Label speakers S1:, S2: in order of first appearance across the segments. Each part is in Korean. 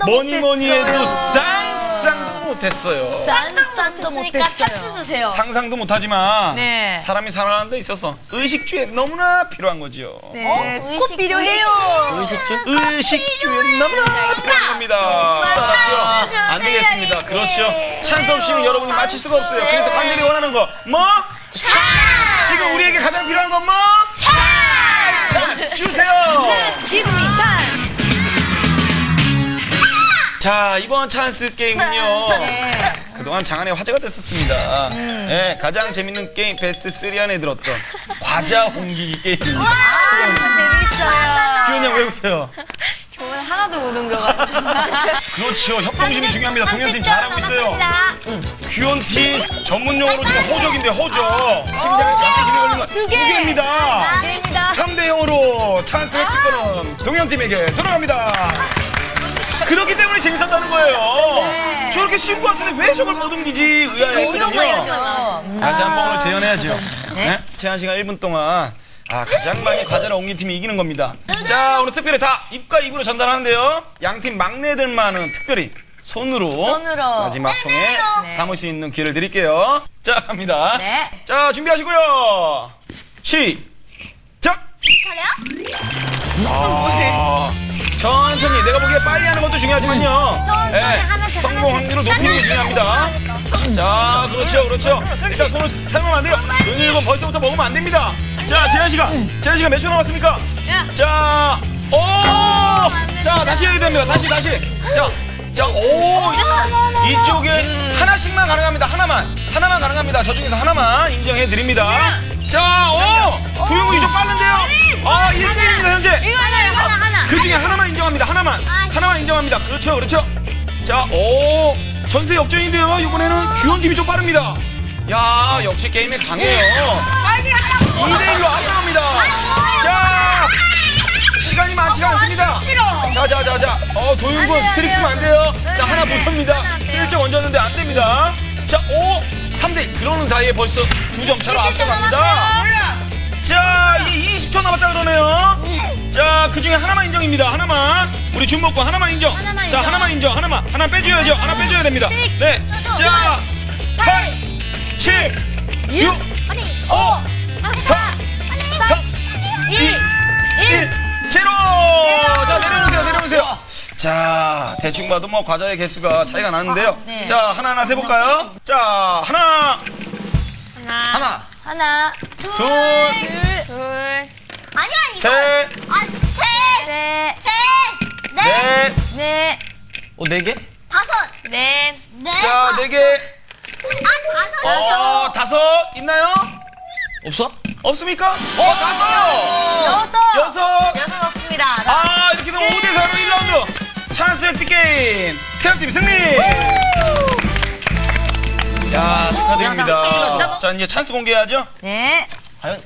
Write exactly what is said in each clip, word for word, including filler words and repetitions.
S1: 상상도
S2: 뭐니
S1: 못했어요.
S2: 뭐니 해도 쌍쌍도 못했어요.
S1: 상상도 못했어요.
S3: 찬스 주세요.
S2: 상상도 못하지만
S1: 네.
S2: 사람이 살아가는 데 있어서 의식주에 너무나 필요한 거죠.
S1: 네,
S3: 어?
S1: 꼭
S3: 의식-
S1: 필요해요.
S2: 의식주? 의식주에 너무나 필요한 겁니다. 그렇죠? 안 되겠습니다. 그렇죠. 찬스 없이는 여러분이 맞힐 수가 없어요. 그래서 간절히 원하는 거 뭐? 지금 우리에게 가장 필요한 건 뭐? 자, 주세요.
S1: Give me chance.
S2: 자, 이번 찬스 게임은요.
S1: 네.
S2: 그동안 장안의 화제가 됐었습니다.
S1: 음.
S2: 네, 가장 재밌는 게임 베스트 쓰리 안에 들었던 과자 옮기기 게임입니다.
S1: 재밌어요.
S2: 기훈이 형 왜 웃어요?
S3: 오늘 하나도 못 옮겨가지고.
S2: 그렇죠. 협동심이 중요합니다. 동현팀 잘하고 있어요. 귀원팀 전문용어로 지금 호적인데 호적. 심장에 자존심이 걸린 건 두 개입니다.
S1: 됩니다.
S2: 삼 대 영으로 찬스 획득권은 동현팀에게 돌아갑니다. 그렇기 때문에 재밌었다는 거예요. 저렇게 쉬운 것 같은데 왜 저걸 못 옮기지 의아했거든요. 다시 한번 오늘 재연해야죠. 네? 제한 시간 일 분 동안 아, 가장 많이 과자를 옮긴 팀이 이기는 겁니다. 자, 오늘 특별히 다 입과 입으로 전달하는데요. 양팀 막내들만은 특별히 손으로,
S1: 손으로.
S2: 마지막 통에
S1: 네.
S2: 담을 수 있는 기회를 드릴게요. 자, 갑니다.
S1: 네.
S2: 자, 준비하시고요. 시작! 아, 천천히 내가 보기에 빨리 하는 것도 중요하지만요.
S3: 천천히 하나씩,
S2: 성공
S3: 하나씩.
S2: 확률을 높이는 게 중요합니다. 자, 그렇죠, 그렇죠. 일단 손을 사용하면 안 돼요. 은일건 벌써부터 먹으면 안 됩니다. 자, 제한 시간. 제한 시간 몇 초 남았습니까? 자, 오! 자, 다시 해야 됩니다. 다시, 다시. 자, 자, 오! 이쪽에 하나씩만 가능합니다. 하나만. 하나만 가능합니다. 저 중에서 하나만 인정해 드립니다. 자, 오! 도영이 좀 빠른데요? 아, 일 대 일입니다, 현재.
S3: 이거 하나요, 하나, 하나.
S2: 그 중에 하나만 인정합니다. 하나만. 하나만 인정합니다. 그렇죠, 그렇죠. 자, 오! 전세 역전인데요. 이번에는 규현팀이 좀 빠릅니다. 야, 역시 게임에 강해요. 이 대 일로 앞서갑니다. 자, 시간이 많지가 않습니다. 자, 자, 자, 자. 어, 도윤군 트릭 쓰면 안 돼요. 자, 하나 붙습니다. 슬쩍 얹었는데 안 됩니다. 자, 오! 삼 대 이. 그러는 사이에 벌써 두 점 차로 앞서갑니다. 자, 이제 이십 초 남았다 그러네요. 자, 그 중에 하나만 인정입니다. 하나만. 우리 준목과 하나만 인정.
S1: 하나만
S2: 자,
S1: 인정.
S2: 하나만 인정. 하나만. 하나 빼줘야죠. 하나 빼줘야 됩니다. 네. 자, 팔, 칠, 육, 오, 사, 삼, 이, 일, 제로. 자, 내려놓으세요. 내려놓으세요. 자, 대충 봐도 뭐 과자의 개수가 차이가 나는데요.
S1: 네.
S2: 자, 하나하나 세볼까요? 자, 하나,
S3: 하나.
S1: 하나,
S2: 둘,
S3: 둘.
S4: 아니야 이거.
S2: 셋,
S4: 아, 셋,
S1: 셋,
S4: 셋, 넷,
S2: 넷.
S1: 넷,
S5: 어, 네 개?
S4: 다섯,
S3: 넷.
S4: 넷.
S2: 자, 네 개.
S4: 아, 다섯.
S2: 어, 다섯 있나요?
S5: 없어?
S2: 없습니까? 어, 다섯!
S1: 여섯.
S2: 여섯!
S3: 여섯 없습니다.
S2: 아, 이렇게 되면 오 대 사로 일 라운드 찬스 획득 게임 태양팀 승리! 야, 축하드립니다. 자, 이제 찬스 공개하죠?
S1: 네.
S5: 과연?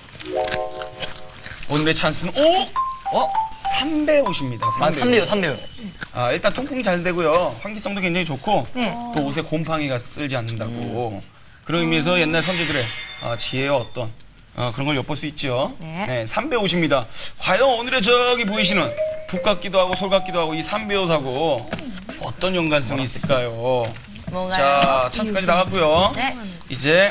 S2: 오늘의 찬스는 오!
S5: 어?
S2: 삼백오십입니다.
S5: 아, 삼 대요, 삼 대요.
S2: 아, 일단 통풍이 잘 되고요. 환기성도 굉장히 좋고
S1: 네.
S2: 또 옷에 곰팡이가 쓸지 않는다고. 그런 의미에서 옛날 선조들의 아, 지혜와 어떤 어, 그런 걸 엿볼 수 있죠.
S1: 네.
S2: 삼백오십입니다. 과연 오늘의 저기 보이시는 북 같기도 하고 솔 같기도 하고 이 삼백오십하고 어떤 연관성이 있을까요?
S1: 뭐가요?
S2: 자, 찬스까지 나갔고요.
S1: 네.
S2: 이제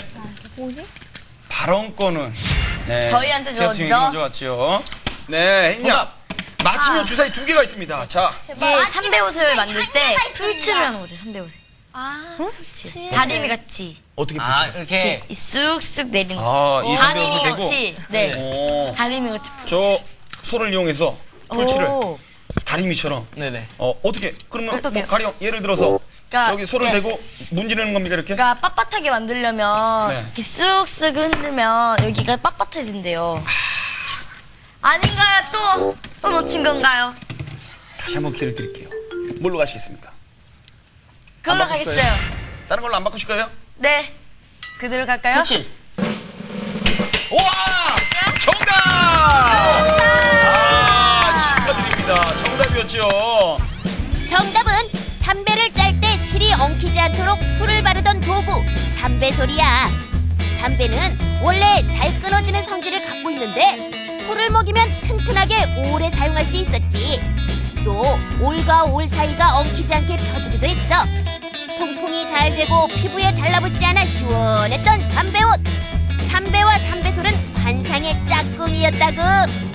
S2: 발언권은 네,
S1: 저희한테
S2: 태엽팀이
S1: 줬죠?
S2: 먼저 갔죠. 네, 했냐?
S5: 정답.
S2: 맞히면 주사위 두 개가 있습니다. 자,
S3: 이게 삼배 옷을 만들 때
S4: 한 개가 있습니다.
S3: 풀칠을 하는 거죠, 삼배 옷에.
S4: 아,
S3: 다리미 같이.
S2: 어떻게 붙여?
S5: 아, 이렇게.
S3: 이 쑥쑥 내리는 거.
S2: 아, 이
S3: 다리미
S2: 삼백오십 되고.
S3: 같이. 네.
S2: 오,
S3: 다리미 같이.
S2: 저 소를 이용해서 풀칠을
S1: 오.
S2: 다리미처럼.
S5: 네네.
S2: 어, 어떻게? 그러면
S1: 어떻게?
S2: 뭐 가령 예를 들어서
S1: 그러니까,
S2: 여기 소를
S1: 네.
S2: 대고 문지르는 겁니까 이렇게?
S1: 그러니까 빳빳하게 만들려면
S2: 네.
S1: 이렇게 쓱쓱 흔들면 여기가 빳빳해진대요. 아닌가요? 또? 또 놓친 건가요?
S2: 다시 한번 기회를 드릴게요. 뭘로 가시겠습니까?
S1: 그걸로
S2: 안 바꾸실
S1: 가겠어요.
S2: 다른 걸로 안 바꾸실 거예요?
S1: 네. 그대로 갈까요?
S5: 그렇지.
S2: 우와! 정답! 아, 축하드립니다. 정답이었죠.
S6: 정답은 삼배를 짤 때 실이 엉키지 않도록 풀을 바르던 도구 삼배솔이야. 삼배는 원래 잘 끊어지는 성질을 갖고 있는데 풀을 먹이면 튼튼하게 오래 사용할 수 있었지. 또 올과 올 사이가 엉키지 않게 펴지기도 했어. 통풍이 잘 되고 피부에 달라붙지 않아 시원했던 삼배 옷. 삼배와 삼배솔은 환상의 짝꿍이었다구.